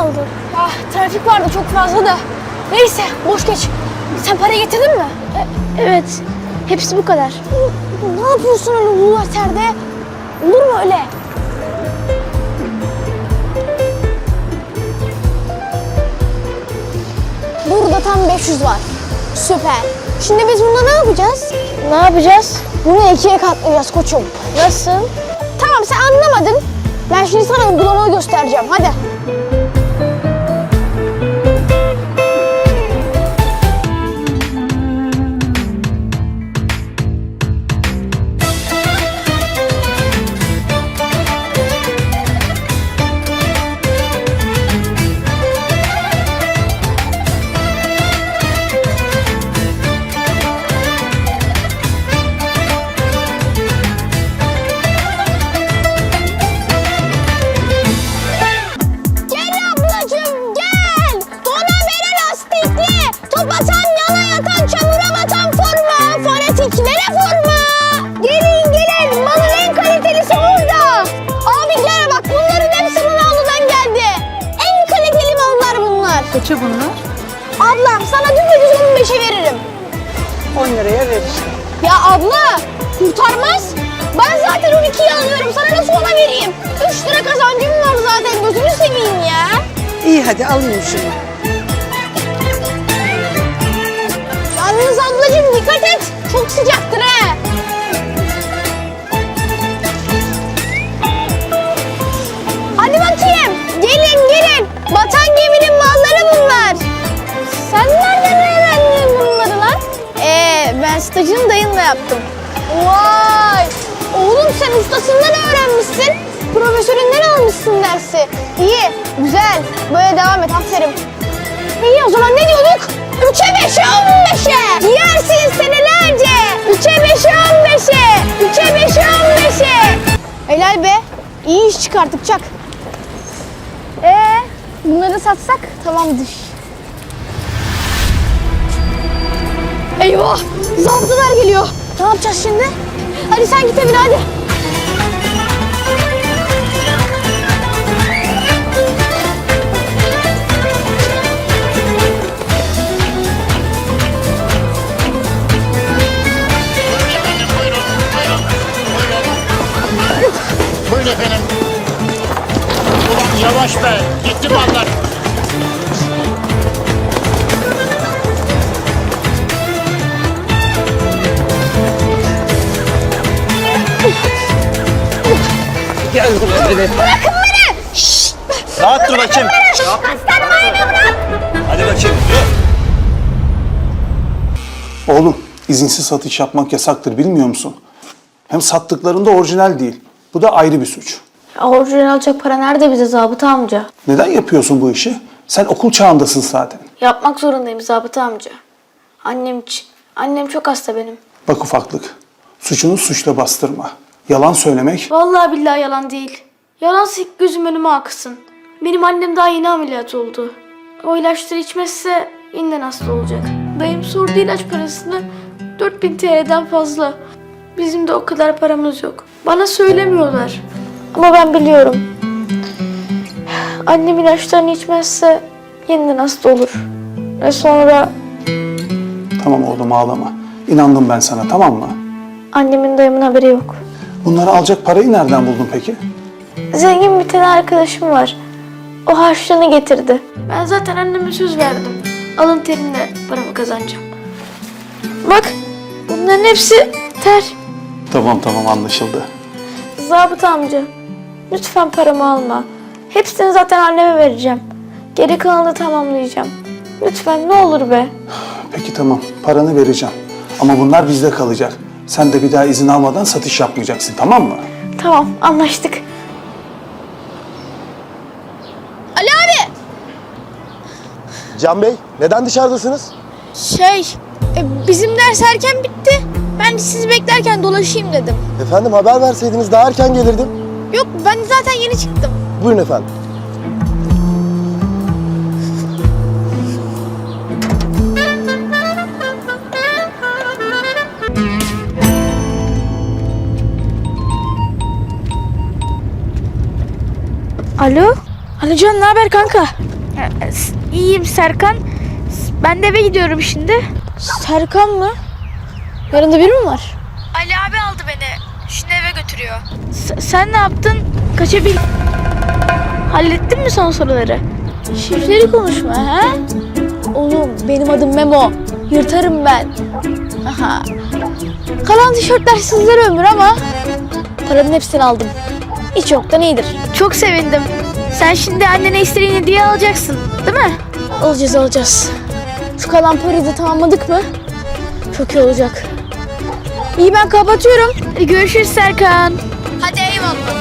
aldın? Ah, trafik vardı çok fazla da. Neyse boş geç. Sen parayı getirdin mi? Evet. Hepsi bu kadar. Ne yapıyorsun öyle ulu otelde? Olur mu öyle? Burada tam 500 var. Süper. Şimdi biz bununla ne yapacağız? Ne yapacağız? Bunu ikiye katlayacağız koçum. Nasıl? Tamam sen anlamadın. Ben şimdi sana uygulamayı göstereceğim. Hadi. Gel ablacığım gel. Dona veren lastikli. Top atan yana yatan çamura batan forma. Fanatiklere forma. Gelin gelin malın en kalitelisi burada. Abi gel bak bunların hepsi Ronaldo'dan geldi. En kaliteli mallar bunlar. Kaça bunlar? Ablam sana dümdüz 15'e veririm. 10 liraya ver işte. Ya abla kurtarmaz. Ben zaten 12'yi alıyorum. Sana nasıl ona vereyim? 3 lira kazancım var zaten. Gözünü seveyim ya. İyi hadi alayım şunu. Yalnız ablacığım dikkat et. Çok sıcaktır ha. Hadi bakayım. Gelin gelin. Batan geminin malları bunlar. Sen nereden öğrendin bunları lan? Ben stajını dayınla yaptım. Vay. Oğlum sen ustasından öğrenmişsin. Profesöründen almışsın dersi. İyi, güzel. Böyle devam et, aferin. İyi o zaman ne diyorduk? 3'e 5'e 15'e. Yersin senelerce. 3'e 5'e 15'e. 3'e 5'e 15'e. Helal be. İyi iş çıkarttık Çak. Bunları satsak tamamdır. Eyvah! Zabıtalar geliyor. Ne yapacağız şimdi? Hadi sen git evine hadi. Buyurun efendim. Ulan yavaş be. Gitti mallar. Gel buraya beni. Bırakın beni! Şşt! Rahat dur bakayım. Aslanım ayağımı bırak! Hadi bakayım. Oğlum, izinsiz satış yapmak yasaktır bilmiyor musun? Hem sattıklarında orijinal değil. Bu da ayrı bir suç. Orijinal alacak para nerede bize zabıta amca? Neden yapıyorsun bu işi? Sen okul çağındasın zaten. Yapmak zorundayım zabıta amca. Annem için. Annem çok hasta benim. Bak ufaklık, suçunu suçla bastırma. Yalan söylemek, Vallahi billahi yalan değil. Yalansa ilk gözüm önüme aksın. Benim annem daha yeni ameliyat oldu. O ilaçları içmezse yeniden hasta olacak. Dayım sordu ilaç parasını 4000 TL'den fazla. Bizim de o kadar paramız yok. Bana söylemiyorlar. Ama ben biliyorum. Annem ilaçlarını içmezse yeniden hasta olur. Ve sonra tamam oğlum ağlama. İnandım ben sana, tamam mı? annemin dayımın haberi yok. Bunları alacak parayı nereden buldun peki? Zengin bir tane arkadaşım var. O harçlığını getirdi. Ben zaten anneme söz verdim. Alın terimle paramı kazanacağım. Bak bunların hepsi ter. Tamam anlaşıldı. Zabıta amca lütfen paramı alma. Hepsini zaten anneme vereceğim. Geri kalanını tamamlayacağım. Lütfen ne olur be. Peki tamam, paranı vereceğim. Ama bunlar bizde kalacak. Sen de bir daha izin almadan satış yapmayacaksın, tamam mı? Tamam anlaştık. Ali abi! Can Bey, neden dışarıdasınız? Bizim ders erken bitti. Ben sizi beklerken dolaşayım dedim. Efendim haber verseydiniz daha erken gelirdim. Yok ben zaten yeni çıktım. Buyurun efendim. Alo? Alican ne haber kanka? İyiyim Serkan. Ben de eve gidiyorum şimdi. Serkan mı? Yanında biri mi var? Ali abi aldı beni. Şimdi eve götürüyor. Sen ne yaptın? Kaçabil... Hallettin mi son soruları? Şifreli konuşma ha? Oğlum benim adım Memo. Yırtarım ben. Aha. Kalan tişörtler sizlere ömür ama paranın hepsini aldım. Hiç yoktan iyidir. Çok sevindim. Sen şimdi annene istediğin hediye alacaksın, değil mi? Alacağız. Şu kalan parayı da tamamladık mı? Çok iyi olacak. İyi ben kapatıyorum. Hadi görüşürüz Serkan. Hadi eyvallah.